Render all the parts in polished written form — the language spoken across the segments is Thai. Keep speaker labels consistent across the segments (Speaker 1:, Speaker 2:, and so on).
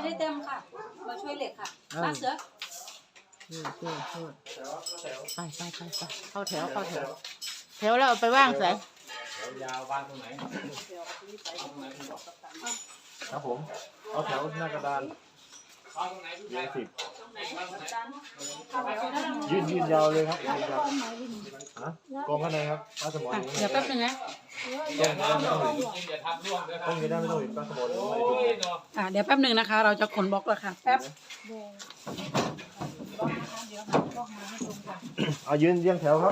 Speaker 1: ได้เต็มค่ะมาช่วยเหล็กค่ะมาเสือ
Speaker 2: ไปเข้าแถวแถวแล้วเอาไปว่างใส่
Speaker 3: ยาววางตรงไหนครับผมเอาแถวหน้ากระดาน20ยืนยาวเลยครับกองข้างในครับป้าสมอน
Speaker 2: เดี๋ยวแป๊บนึงนะ
Speaker 3: ต้องยืนได้ไม่ต้องยืนป้าสมอน
Speaker 1: เดี๋ยวแป๊บนึงนะคะเราจะขนบล็อกแล้วค่ะแป๊บ
Speaker 3: ยืนเรียงแถวครับ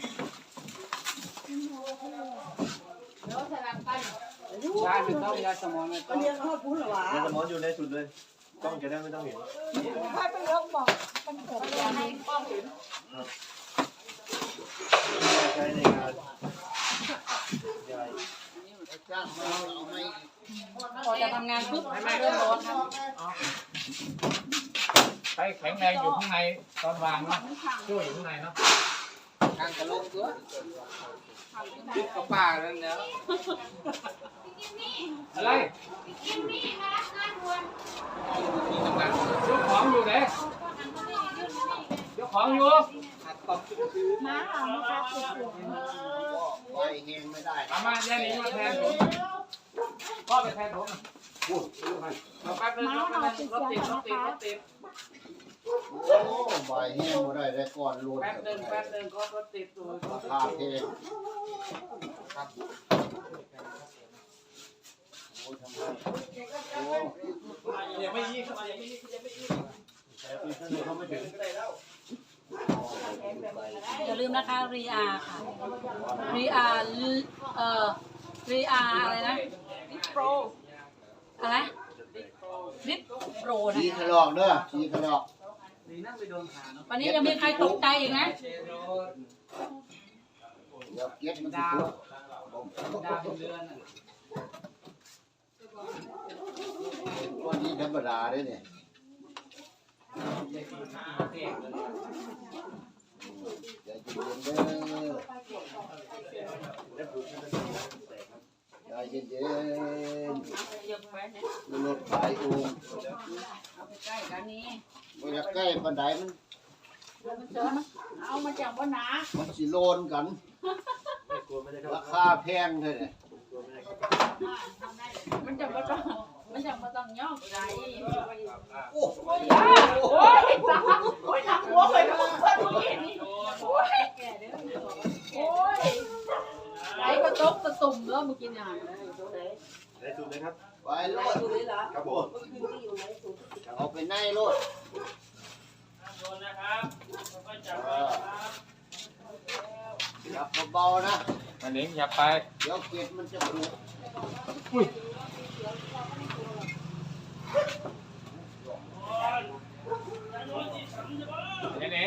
Speaker 4: ใช่ไม่ต้องยาสมองไม่ต้อง
Speaker 3: ยาสมอนอยู่ในสุดเลยกล้องจะได้ไม่ต้องเห็น
Speaker 5: ให้เป็นลงบอกเป็นเกิดอะไรกล้องเห็น
Speaker 3: ใช้ในงาน
Speaker 1: พอจะทำงานปุ๊บเริ่มร้อนครับ
Speaker 3: ใช้แข็งแรงอยู่ข้างในตอนวางเนาะช่วยอยู่ข้างในเนาะ
Speaker 4: กางกระโลกตัวยึดกระป๋าแล้วเนาะ
Speaker 3: อะไร
Speaker 5: กินนี่มารับงานด่วน
Speaker 3: ยกของอยู่ไหนยกของอยู่
Speaker 5: มาเอามาครับติดเสียง
Speaker 4: ไว้เฮงไม่ได้
Speaker 3: มาแย่นี้มาแทนผมพ่อไปแทนผมพูดเราแป๊บนึงรถติด
Speaker 4: โอ้ใบเฮงไม่ได้ได้ก่อนลุ้น
Speaker 3: แป๊บนึงก็รถติดตัว
Speaker 4: ขาเพลง
Speaker 3: ยังไม่ยี่เข้ามายังไม่ยี่เขาไม่ถึง
Speaker 1: อย่าลืมนะคะรีอาค่ะรีอาอะไรนะริปโปรอะไรริปโปรนะ
Speaker 4: ชี้ขลอกเด้อชี้ขลอก
Speaker 1: วันนี้ยังมีใครตกใจอีกนะ
Speaker 4: เดี๋ยวเก็บมันจะวันนี้ธรรมดาเลยเนี่ยใจเย็นๆรถไฟอุ้ม
Speaker 1: เอาไปใกล้กันนี้
Speaker 4: ไม่อยากใกล้ปันไดมัน
Speaker 1: เอามาจากบนหนา
Speaker 4: มันสิโลนกันราคาแพงเลยเนี่ย
Speaker 1: มันจะมาต้องย่องใจ
Speaker 4: โอ้ย
Speaker 1: ตาโอ้ยหนักหัวเลยนะเพื่อนผู้หญิงนี่โอ้ยไหลกระตกกระตุ่มแล้วเมื่อกี้เนี่ย
Speaker 3: ได้สุดเลยครับ
Speaker 4: ไปโลด
Speaker 3: ครับผม
Speaker 4: เอาไปในโลดจับเบาๆนะ
Speaker 3: มันเลี้ยงอย่าไป
Speaker 4: เดี๋ยวเกล็ดมันจะปลุก
Speaker 3: เอง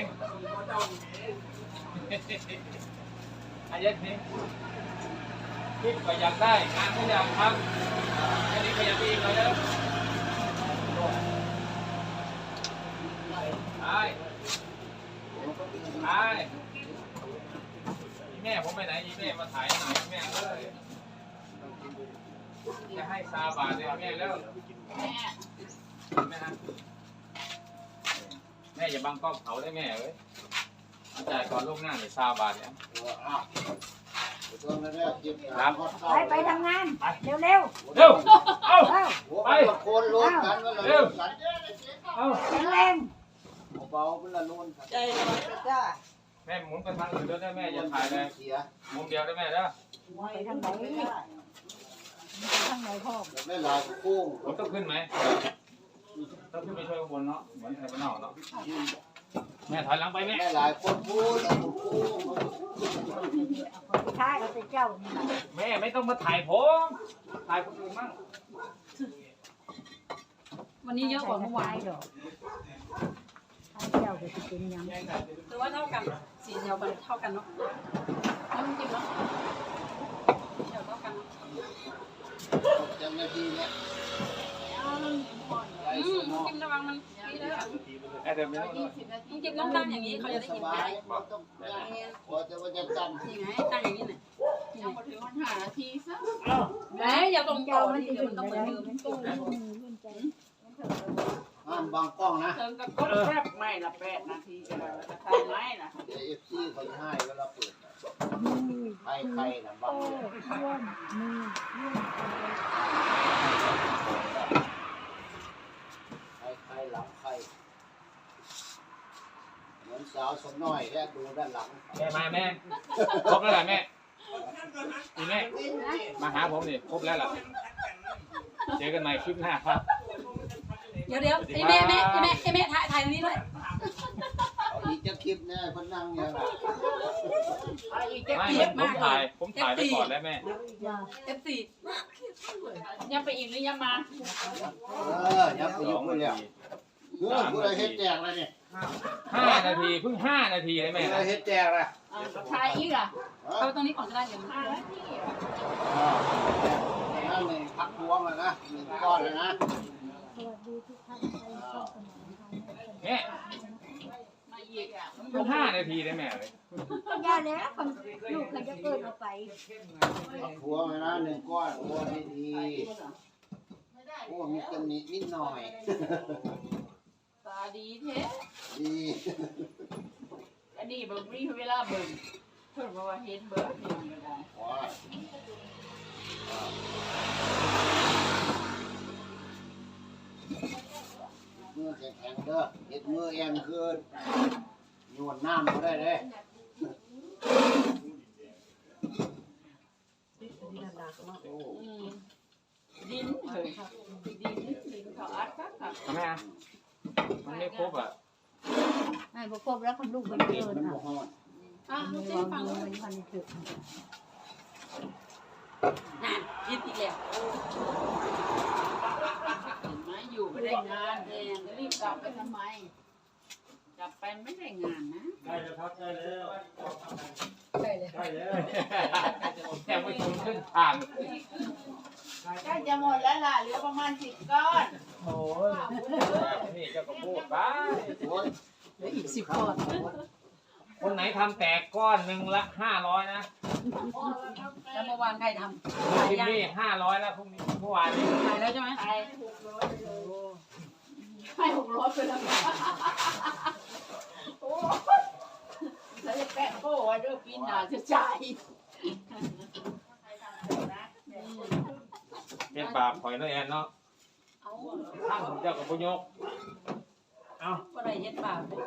Speaker 3: อายัดนี้คิดก็อยากได้งานก็อยากทำอันนี้ก็อยากมีอีกเลยแม่ผมไปไหนแม่มาถ่ายหน่อยแม่เลยจะให้ซาบาทเลยแม่แล้วแม่อย่าบังกล้องเขาได้แม่เว้ยจ่ายก่อนล่วงหน้าเลยซาบาทเนี่ย
Speaker 5: ไปทำงานเร็ว
Speaker 3: เอา
Speaker 4: ไปโคนรถกันว่าเรา
Speaker 5: แรง
Speaker 4: เบาๆเป็นละนุ่น
Speaker 5: ใจจ้า
Speaker 3: แม่หมุนไปทางอื่นด้วยได้แม่อย่าถ่ายเลยมุมเดียวได้แม่นะ
Speaker 5: ไปทางไหนพ่อ
Speaker 4: แม่ลายคู่
Speaker 3: รถต้องขึ้นไหมต้องขึ้นไปช่วยข้างบนเนาะเหมือนไทยบ้านนอกเนาะแม่ถอยหลังไปแม่
Speaker 4: หลายคนพูด
Speaker 5: ท้ายก็เป็นเจ้า
Speaker 3: แม่ไม่ต้องมาถ่ายผมถ่ายคนอื่นมั่ง
Speaker 1: วันนี้เยอะกว่าเมื่อวาน
Speaker 5: ดอกเจ้าก็จะเป็นยัง
Speaker 1: คือว่าเท่ากันสีเดียวกันเท่ากันเนาะน้ำจิ้มเนาะเดียวเท่ากัน
Speaker 4: จังนาทีเนี่ย
Speaker 1: จิ้มระวังมันนี่เลยจิ้มต้องตั้งอย่างนี้เขาจะได้กินได้
Speaker 4: พอจะว่าจะจำ
Speaker 1: ยังไงตั้งอย่างนี้หน่อย
Speaker 5: ยังมาถึง5 นาทีซะ
Speaker 1: แหมอย่าตรงต่อที่เดี๋ยวมันต้องเหมือนเดิม
Speaker 4: บางกล้องนะ
Speaker 6: เติมกับก้นแคบไม่ละ8 นาทีก็ได้จะทำไหมนะ
Speaker 4: เดี๋ยวเอฟซีเขาจะให้เวลาเปิดใครนะบางใครหลังใครเหมือนสาวสมน้อยแค่ดูด้านหลัง
Speaker 3: แม่มาแม่ครบแล้วแหละแม่ดีแม่มาหาผมนี่ครบแล้วล่ะเจอกันใหม่คลิปหน้าครับ
Speaker 1: เดี๋ยวไอ้แม่ถ่ายตรงนี้ด้วย
Speaker 4: เอาอีกจะคลิปเนี่ยคนนั่งเนี่ยนะ
Speaker 3: ไม่ผมถ่ายไปก่อนแล้วแม่
Speaker 1: F4
Speaker 6: ยังไปอีกหรือยังมา
Speaker 4: ยับไปยุ่งเลยผู้ใดเฮ็ดแจกอะไรเนี่ย
Speaker 3: 5 นาทีเพิ่ง5 นาทีเลยแม่
Speaker 4: ผู้ใดเฮ็ดแจกอะไร
Speaker 6: ทายอีกอ่ะ
Speaker 1: เอาตรงนี้ก่อนก็ได้เดี๋ยว
Speaker 6: 5 นาทีอ่ะ
Speaker 4: นั่นเลยพักพวงเลยนะ1 ก้อนเลยนะ
Speaker 3: แม่
Speaker 6: มาอีกอ่ะ
Speaker 3: เพิ่ง5 นาทีเลยแม่เลย
Speaker 5: ยาแล้วคนลูกเขาจะเกิดออกไป
Speaker 4: พักพวงเลยนะ1 ก้อนโอ้ดีโอ้มีตำหนินิดหน่อย
Speaker 6: ตาดีแท้
Speaker 4: ดี
Speaker 6: อันนี้เบิ่งมีเวลาเบิ่งเพิ่นบอกว่าเห็นเบิ่งเห็นก็ได้
Speaker 4: ว้ามือแข็งๆเด้อเฮ็ดมือแองขึ้นโยนน้ำก็ได้เลย
Speaker 6: ดินเฮ้ยดินเขาอัดครับ
Speaker 3: ทำไมอ่ะมันไม่ครบอ่ะ
Speaker 5: ไม่ประกบแล้วคนลูกมันเกิน
Speaker 4: มัน
Speaker 5: ค่ะ
Speaker 4: บ่ฮ้อน
Speaker 1: ลูกเจ๊ฟังเลย
Speaker 5: มันพันจุด
Speaker 1: ยิดอีกแล้ว
Speaker 6: เห็นไหมอยู่ไม่ได้งานแดงรีบกลับไปทำไมกลับไปไม่ได้งานนะ
Speaker 3: ได้แล้วครับได้แล้ว
Speaker 1: ได้เลย
Speaker 3: ได้แล้วแค่ไม่ถึงครึ่งทาง
Speaker 6: ใกล้จะหมดแล้วล่ะเหลือประมาณ10 ก้อน
Speaker 3: โอ้ยนี่เจ้าก็พูดไป
Speaker 4: โอ้ย
Speaker 1: เหลืออีก10 ก้อน
Speaker 3: คนไหนทำแตกก้อนหนึ่งละ500นะ
Speaker 1: แล้วเมื่อวานใครทำ
Speaker 3: พรุ่งนี้500แล้วพรุ่งนี้เมื่อวานนี้
Speaker 1: ถ่ายแล้วใช่ไหม
Speaker 6: ให้600ไปแล้วโอ้แล้วจะแปะโป้ไว้ด้วยปีหน้าจะจ่าย
Speaker 3: เป็นบาปข่อยน้อยแอนเนาะ
Speaker 1: เอา
Speaker 3: ท่านเจ้ากับพยกเอา
Speaker 1: ก็ได้เฮ็ดบาปเลย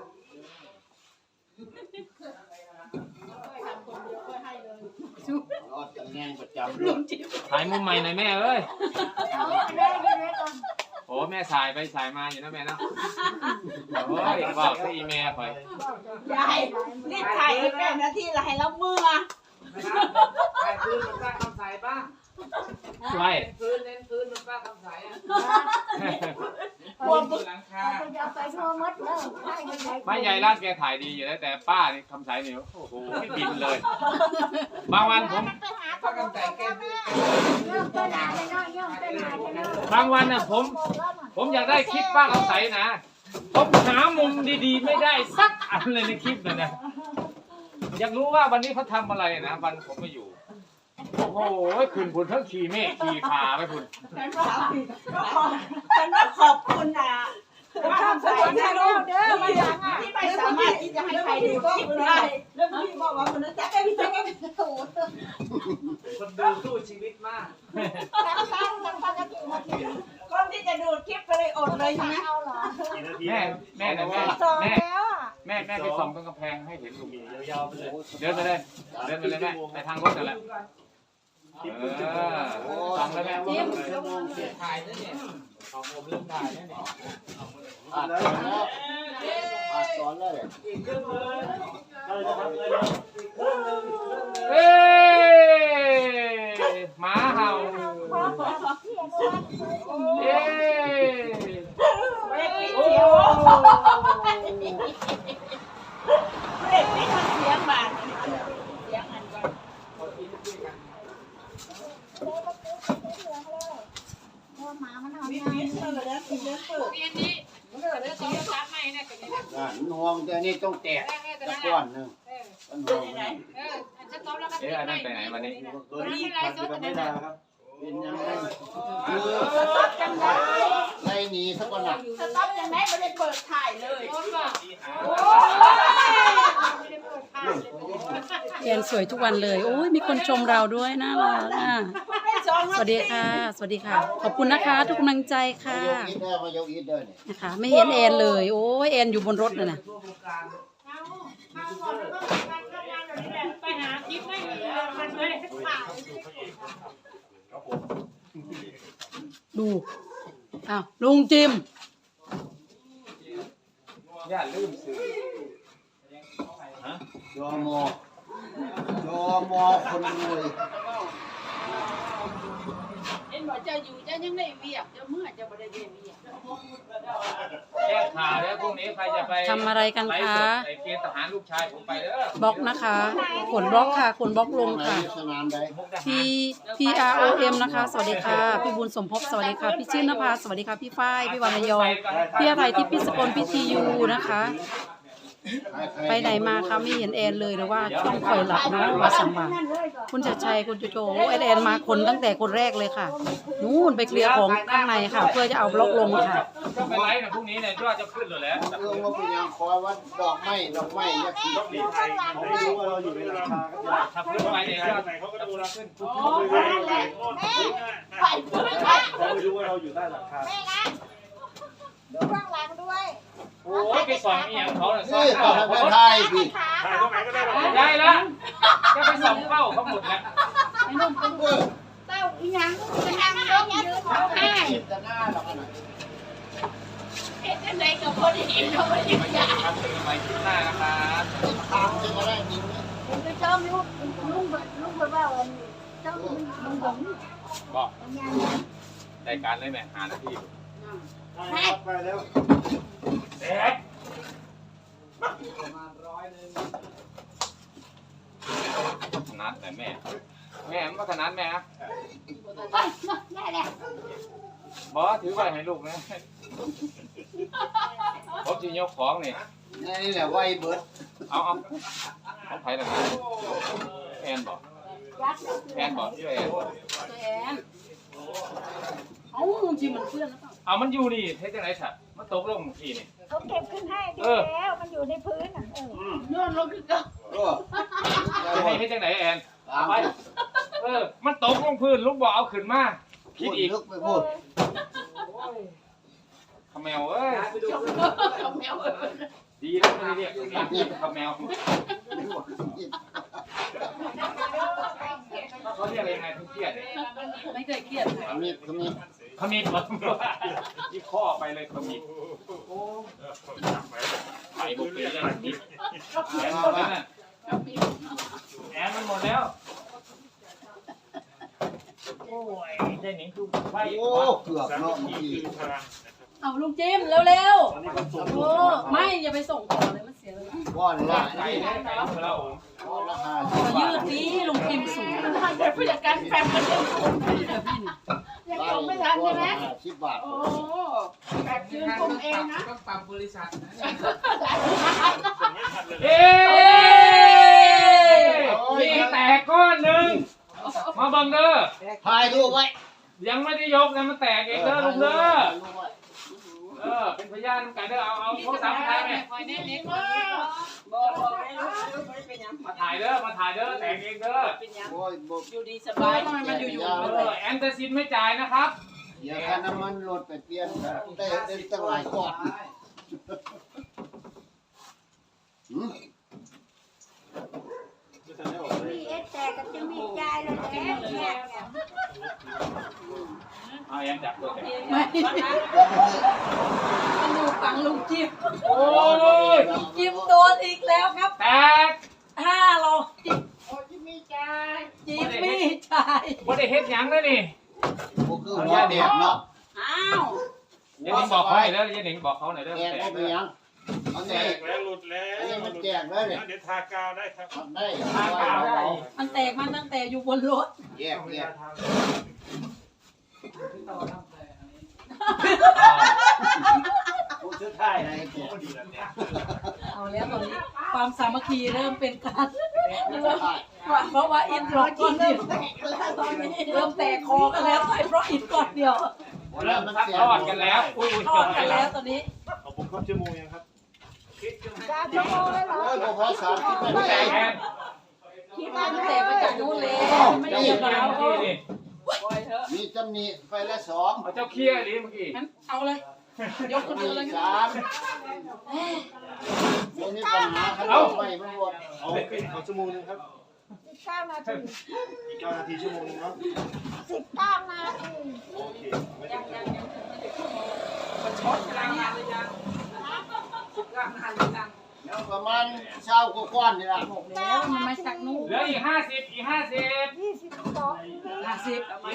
Speaker 4: รอดตำแหน่งประจำเรื่อง
Speaker 3: ถ่ายมุมใหม่หน่อยแม่เอ้ย
Speaker 5: เอาได้ได้ก่อน
Speaker 3: โอ้แม่ถ่ายไปถ่ายมาอยู่นะแม่เนาะโอ้ยบอกที่อีเมลข่อย
Speaker 6: ยายรีบถ่ายอีก8 นาทีละให้เราเมื่อ
Speaker 4: ใครพื้นมันป้าคำใสบ้าง
Speaker 3: ไล่
Speaker 4: พื้นเน้นพื้นมันป้าคำใสอ่ะ
Speaker 6: ควร
Speaker 4: หลังคา
Speaker 5: เขาจะไปทั่วมัดแล้วใช่ยังไง
Speaker 3: ไม่ใหญ่ร้านแกถ่ายดีอยู่แล้วแต่ป้านี่คำสายเหนียวโอ้โหไม่บินเลย บางวันผม
Speaker 5: ไปหาคนลูกกันแม่เริ่มต้นหาเลยเนาะเริ่มต้นหาเลยเนาะ
Speaker 3: บางวันน่ะผมอยากได้คลิปป้าคำใสนะผมหามุมดีๆไม่ได้สักอันเลยในคลิปนั่นนะอยากรู้ว่าวันนี้เขาทำอะไรนะวันผมไม่อยู่โอ้โหขึ้นพุ่นทั้งขี่เมฆขี่ขาไปพุ่น
Speaker 6: ฉันว่าขอบคุณนะว่าใส่นะลูกเด้อมาอย่างที่ไม่สามารถที่จะให้ใครดูคลิปได้
Speaker 7: แล้วพี่บอกว่าคนนั้นจะได้พี่จะได้โอ้โห
Speaker 4: คนดูสู้ชีวิตมาก
Speaker 6: คนที่จะดูคลิปก็เลยอดเลยใช่ไหม
Speaker 5: เอาเหรอ
Speaker 3: แม่นะแม่
Speaker 5: สอง
Speaker 3: แม่
Speaker 5: แล้วอ่ะ
Speaker 3: แม่ไปส่องตรงกำแพงให้เห็นลุง
Speaker 4: ยาวๆไปเลย
Speaker 3: เดินไปเลยแม่ไปทางรถนั่นแหละส่องแล้วแม่
Speaker 4: จิ้มถ่ายนั่นเนี่ยของผมเริ่มถ่ายนั่นเนี่ยอัดแล้วอัดสอนเลยอีกครึ่งเลยเราจะทำเลยอีกครึ่งนึง
Speaker 3: เอ้หมาเห่าเอ้โอ้
Speaker 6: เด็กไม่ทำเสียงบาดเสียงอันก่อน
Speaker 5: เพราะหมามันทำ
Speaker 7: มี
Speaker 5: งาน
Speaker 7: เลี้ยงเลยนะมีเลี้ยงเปิด
Speaker 4: ห่วงแต่นี่ต้องแตกตะก้อนหนึ่งต้นห่วง
Speaker 3: อันนั้นไปไหนวันนี้
Speaker 4: ตัวนี้มันไม่ได้ครับเป็นยังไงไล่หนีสักวันไหนล่ะ
Speaker 6: สต๊อปยังไงไม่ได้เปิดถ่ายเลย
Speaker 2: แอนสวยทุกวันเลยโอ้ยมีคนชมเราด้วยน่ารักอ่ะสวัสดีค่ะ สวัสดีค่ะ ขอบคุณนะคะ ทุกกำลังใจค่ะ
Speaker 4: มายกอีทเด้อเนี่ย
Speaker 2: นะคะ ไม่เห็นแอนเลยโอ้ยแอนอยู่บนรถเลยนะ
Speaker 1: ไปหาคลิปไม่มีเลยมันไม่ได้ถ่าย
Speaker 2: ดูอ้าวลุงจิม
Speaker 3: อย่าลืมซื้อ
Speaker 4: จอมคนรวย
Speaker 6: เอ็นบอกจะอยู่จะยังได้เวียบจะเมื่อจะบ่ได้เวียบ
Speaker 3: แจ้งข่าวแล้วพรุ่งนี้ใครจะไป
Speaker 2: ทำอะไรกัน
Speaker 3: ไลฟ์
Speaker 2: คะ
Speaker 3: สดไอ้เกณฑ์ทหารลูกชายผมไปเด้อบ
Speaker 2: ล็อกนะคะกดบล็อกค่ะกดบล็อกลงค่ะ
Speaker 4: สนามใด
Speaker 3: มุกดา
Speaker 2: P
Speaker 3: หาร
Speaker 2: P R O M นะคะ สวัสดีค่ะ พี่บุญสมภพสวัสดีค่ะ พี่ชื่นนภาสวัสดีค่ะ พี่ฝ้าย พี่วรรณยองพี่อะไรที่พี่สกลพี่ทียูนะคะ ไปไหนมาคะไม่เห็นแอนเลยหรือว่าต้องคอยหลับนะว่าสังมาคุณชัดชัยคุณโจโจแอนมาคนตั้งแต่คนแรกเลยค่ะนู่นไปเคลียร์ของข้างในค่ะ เพื่อจะเอาบล็อกลงค่ะ
Speaker 3: ก็ไปไลฟ์นะพรุ่งนี้เนี่ยยอดจะขึ้นเลยแหละ
Speaker 4: เรื่องว่าเป็นยังคอยว่าดอกไม้ยักษ์ต้องดีไทยเขาไม่รู้ว่าเราอยู่ในราคาก็ได้
Speaker 3: ถ้าขึ้นไปเนี่ยยอดเขาก็ดูเราขึ้น
Speaker 6: ไปเพื่อน
Speaker 4: เขาไม่รู้ว่าเราอยู่ใต้ราคา
Speaker 5: แม่นะดูข้างหลังด้วย
Speaker 3: โอ้ยไปสอนอีหยังเขาเนี่ยสอน
Speaker 4: นี่ต่อ
Speaker 3: เข้า
Speaker 4: ไปไทยพี่
Speaker 5: ถ่ายตรงไหนก็ได้
Speaker 3: ได้แล้วก็ไปสอนเข้าเขาหมดแล้ว
Speaker 6: เต้าอีหยังจะนั่งต้องยืนเขาให้
Speaker 4: จะหน้าหรอกนะ
Speaker 6: เอ็ดจังไดกับคนอื่นเขาไม่ได้อยาก
Speaker 3: ครับเป็นไปที่หน้านะครับ
Speaker 4: ตามจะมาได้จริง
Speaker 5: ผมจะชอบลุงเบิดว่าวันนี้ชอบลุงหง
Speaker 3: บอกรายการเลยแม่หาหน้าที่
Speaker 4: ไปแล้ว
Speaker 3: เด็กขนาดไหนแม่มันขนาดแม่ครับ
Speaker 5: ไปได้แล้ว
Speaker 3: บอถือไว้ให้ลูกนะผมจะยกของนี่
Speaker 4: นี่แหละไวเบิร์ด
Speaker 3: เอาไผ่ละนะแอนบอกแอนบอกชื่อแอน
Speaker 2: แอนเอ้าลุงจิมมันเพื่อนหรือเปล่า
Speaker 3: เอามันอยู่นี่เท่จังไรสัตว์มันตกลงทีนี่
Speaker 5: เขาเก็บขึ้นให้ดีแล้วมันอยู่ในพื้นอ่ะ
Speaker 6: โยนลงคือเก่า
Speaker 3: จะให้เท่จังไหนแอนเอาไปมันตกลงพื้นลูกบอกเอาขึ้นมาคิดอีก
Speaker 4: ลึกไปพูด
Speaker 3: ขมแมวเอ้ย
Speaker 6: เขาแมว
Speaker 3: ดีแล้วไม่ได้เรียกขมแมวเขาเรียกอะไรยังไงทุกเครียด
Speaker 2: ไม่เคยเครียด
Speaker 4: ขมิด
Speaker 3: ขมิดที่ข้อไปเลยขมิดไปบุกไปเลยแอนหมดแล้วน่ะแอนมันหมดแล้วโอ้ยได้หนิงคือไป
Speaker 4: โอ้เกือบเนาะเมื่อกี้
Speaker 2: เอาลุงจิมเร็วๆโอ้ไม่อย่าไปส่งต่อเลยมันเสียเลย
Speaker 4: ก้อนละ
Speaker 3: ไก่ได้ไก่ของเรา
Speaker 4: ก้อนละ
Speaker 2: ยืดนี้ลุงจิมสูง
Speaker 6: แต่ผู้จัดการแฟนมันยังคง
Speaker 2: เดี๋ยวพี่
Speaker 6: ยังคงไม่ทันใช่ไหม
Speaker 4: 10 บาท
Speaker 6: โอ้แบบยืนคงเองนะ
Speaker 3: ต้องปรับบริษัท
Speaker 4: เอ้
Speaker 3: มีแตกก้อนหนึ่งมาบังเด้อ
Speaker 4: ถ่ายรูปไว้
Speaker 3: ยังไม่ได้ยกนะมันแตกเองเด้อลุงเด้อเป็นพยานกันเด้อเอาโทรศัพท์มาถ่ายไหม
Speaker 6: คอยแน่เล็กบอกให้ลูกไม่เป็นยัง
Speaker 3: มาถ่ายเด้อแตกเองเด้อ
Speaker 6: เป็นยัง
Speaker 4: โอ้ยบ่
Speaker 6: อยู่ดีสบาย
Speaker 2: ทำไมมันอยู่
Speaker 3: แอนเตอร์ซินไม่จ่ายนะครับ
Speaker 4: อย่าค่าน้ำมันรถไปเปลี่ยนได้ตั้งหลายก้อนหืม
Speaker 5: มีเอสแต่กับจะมีใจเลยแอนเนี่ย
Speaker 3: เอาแอนจับตัวแตก
Speaker 2: ไม่มันอยู่ฝั่งลุงจิม
Speaker 3: โอ้ย
Speaker 2: จิมโดนอีกแล้วครับ
Speaker 3: แตก
Speaker 2: 500
Speaker 6: จิมมี่ใจ
Speaker 2: จิมมี่ชาย
Speaker 3: ว่าได้เฮ็ดหยังเลยนี่
Speaker 4: บ่คือหัวแดดเนาะ
Speaker 6: อ้าว
Speaker 3: ยันหนิงบอกเขาหน่อยเด้อยันหนิงบอกเขาหน่อยเด้อ
Speaker 4: แดดบ่เป็นหยังเอาแดด
Speaker 8: แล้วหลุดแล้ว
Speaker 4: อันนี้มันแจกแล้วเนี่ย
Speaker 8: เดี๋ยวทากาวได้ครับ
Speaker 4: ทำได้
Speaker 3: ทางกล่าวได้
Speaker 2: มันแตกมาตั้งแต่อยู่บนรถ
Speaker 4: แยกผู้ชื่อไทยอะไรแจก
Speaker 2: เอาแล้วตอนนี้ความสามัคคีเริ่มเป็นการ
Speaker 4: ไทย
Speaker 2: เพราะว่าอินร้อยก้อนเดียวเริ่มแตกคอกันแล้วใส่เพราะอินก้อนเดียว
Speaker 4: โอ้
Speaker 3: เริ่มซักทอดกันแล้วอุ้ย
Speaker 2: ทอดกันแล้วตอนนี้
Speaker 4: เอาผมครบชั่วโมงยังครับ
Speaker 5: 3 ชั่วโมงเลยเหรอ
Speaker 4: โอ้ยพอสามคิดไม่
Speaker 3: แก
Speaker 4: ได้
Speaker 3: ง
Speaker 2: คิดว่าตั้งแต่มาจากนู้นเลยไม่
Speaker 3: เจ้า
Speaker 2: ได้
Speaker 3: เคี่
Speaker 2: ยิ
Speaker 3: ย
Speaker 2: น
Speaker 3: ว
Speaker 2: กับเรา
Speaker 3: เมื่อกี้นี่
Speaker 4: มีตำหนิไปละสอง
Speaker 3: เอาเจ้าเคี่ยวดิเมื่อกี้
Speaker 2: งั้นเอาเลย ยกคนเดียวเลย
Speaker 4: สามตรงนี้ปัญหาครับไม่มันหมดเอาชั่วโมงนึงครับ
Speaker 5: 19 นาที
Speaker 4: อีก9 นาทีชั่วโมงนึงเนาะ
Speaker 5: 19 นาที
Speaker 4: โอเคไม่
Speaker 1: ยั
Speaker 4: ได้
Speaker 1: งมันช็อตกลางงานเลยยังกลางงานเลยยัง
Speaker 4: แล้วประมาณเช้ากว่าๆนี่ล่ะ
Speaker 2: แล้วมันไม่สักนู่น
Speaker 3: เหลืออีก50อีก50
Speaker 5: 22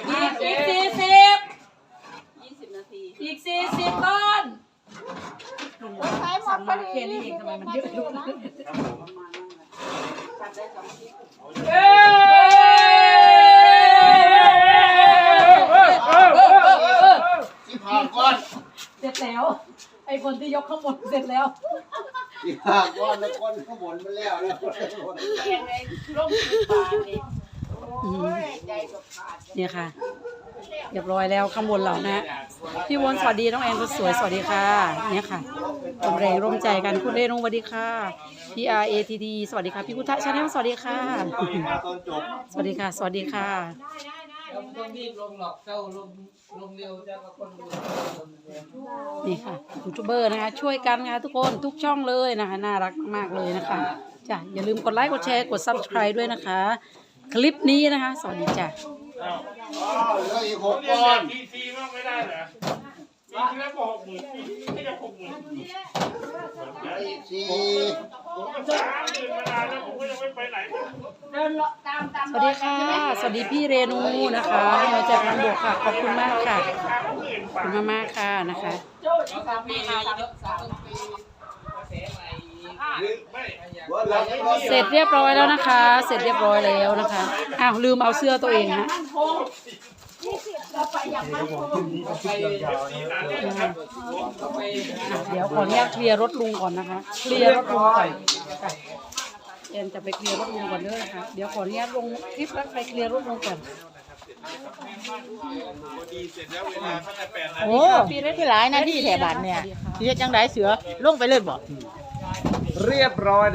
Speaker 1: 20 นาที
Speaker 2: อีก40ก้อน
Speaker 5: ใช้หมดพอดี
Speaker 2: แค่นี้เองทำไมมันเยอะอยู่นะ
Speaker 1: จัดได้2 ชิ้น
Speaker 3: เอ้
Speaker 4: ที่ผ่านก้อน
Speaker 2: เสร็จแล้ว ไอ้คนที่ยกข้างบนเสร็จแล้ว
Speaker 4: ที่ผ่านก้อนแล้วคนข้างบนมันแล้วแล้วคนข้างบน
Speaker 1: เก่งเลยลงที่ปากนี่โอ้ยใจกับขาด
Speaker 2: เนี่ยค่ะ เรียบร้อยแล้วข้างบนเรานะ พี่วนสวัสดีน้องแอนคนสวยสวัสดีค่ะเนี่ยค่ะร่วมแรงร่วมใจกันคุณเรนงสวัสดีค่ะพี่ RATD สวัสดีค่ะพี่พุทธชาแนลสวัสดีค่ะ
Speaker 4: ตอนจบ
Speaker 2: สวัสดีค่ะ สวัสดีค่ะ
Speaker 6: ต้องรีบลงหรอกเจ้าลงเร็วจะมาคนดู
Speaker 2: นี่ค่ะยูทูบเบอร์นะคะ ช่วยกันค่ะทุกคนทุกช่องเลยนะคะน่ารักมากเลยนะคะจ้ะอย่าลืมกดไลค์กดแชร์กด Subscribe ด้วยนะคะ คลิปนี้นะคะ สวัสดีจ้ะ
Speaker 4: เหลืออีก6ก้อน
Speaker 3: ทีซีมากไม่ได้เหรอปีที่แล้วบอก60,000ไม่ได้60,000
Speaker 4: เหลืออีก4
Speaker 3: ผมก็30,000มานานแล้วผมก็ยังไม่ไปไหน
Speaker 1: เดินตาม
Speaker 2: สวัสดีค่ะ สวัสดีพี่เรนูนะคะให้มาจากทางบกค่ะขอบคุณมากค่ะขอบคุณมากๆค่ะนะคะ
Speaker 1: โจ้อีก3 ปีค่ะ
Speaker 2: เสร็จเรียบร้อยแล้วนะคะ เสร็จเรียบร้อยแล้วนะคะอ้าวลืมเอาเสื้อตัวเองฮะ เดี๋ยวขออนุญาตเคลียร์รถลุงก่อนนะคะ เคลียร์รถลุงก่อนค่ะเอ็นจะไปเคลียร์รถลุงก่อนเด้อนะคะ เดี๋ยวขออนุญาตลงคลิปแล้วไปเคลียร์รถลุงก่อนโอ้
Speaker 8: พี่ได้ที่หลายนาทีแถบบ้านเนี่ยสิเฮ็ดจังไดเสือลงไปเลยบ่
Speaker 3: เรียบร้อย